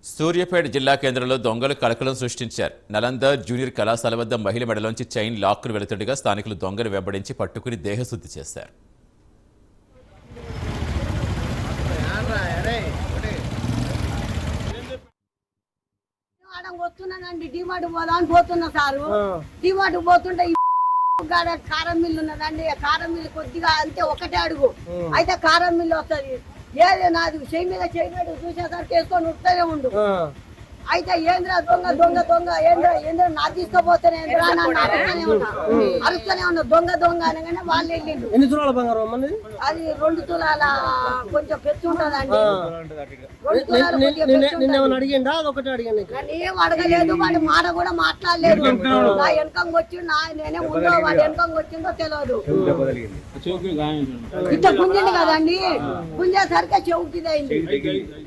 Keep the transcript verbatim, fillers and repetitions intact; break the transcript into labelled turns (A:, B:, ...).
A: సూర్యాపేట జిల్లా కేంద్రంలో దొంగలు కలకలం సృష్టించారు. నలంద జూనియర్ కళాశాల వద్ద మహిళ మెడలోంచి చైన్ లాక్కును వెళుతుండగా స్థానికులు దొంగలు వెంబడించి పట్టుకుని దేహశుద్ధి చేశారు.
B: వస్తున్నానండి డిమార్ట్ పోదా అని పోతున్నా సారు. డిమార్ట్ పోతుంటే కారం మిల్లు ఉన్నదండి. కారం మిల్లు కొద్దిగా అంతే ఒకటే అడుగు అయితే కారం మిల్లు వస్తుంది. ఏది నాది చెయ్యి మీద చేయలేదు చూసేసరికి వేసుకొని ఉత్తనే ఉండు. అయితే ఏంద్రా దొంగ దొంగ దొంగ ఏంద్రా ఏంద్రా నా తీసుకుపోతానే అరుస్తూనే ఉన్నా అరుస్తూనే ఉన్నా దొంగ దొంగ అనగానే వాళ్ళు వెళ్ళిండు.
C: ఎన్ని తులాల బంగారం
B: అది రెండు తులాల కొంచెం పెచ్చు ఉంటదండి.
C: అడిగిందా అదొకటి అడిగాను.
B: ఏం అడగలేదు. వాడి మాట కూడా మాట్లాడలేదు. నా వెనకంగా వచ్చి నా నేనే ఉందో వాడి వెనకంగా వచ్చిందో తెలియదు. ఇట్లా గుంజింది కదండి. గుంజేసరికి చెవుకిదైంది.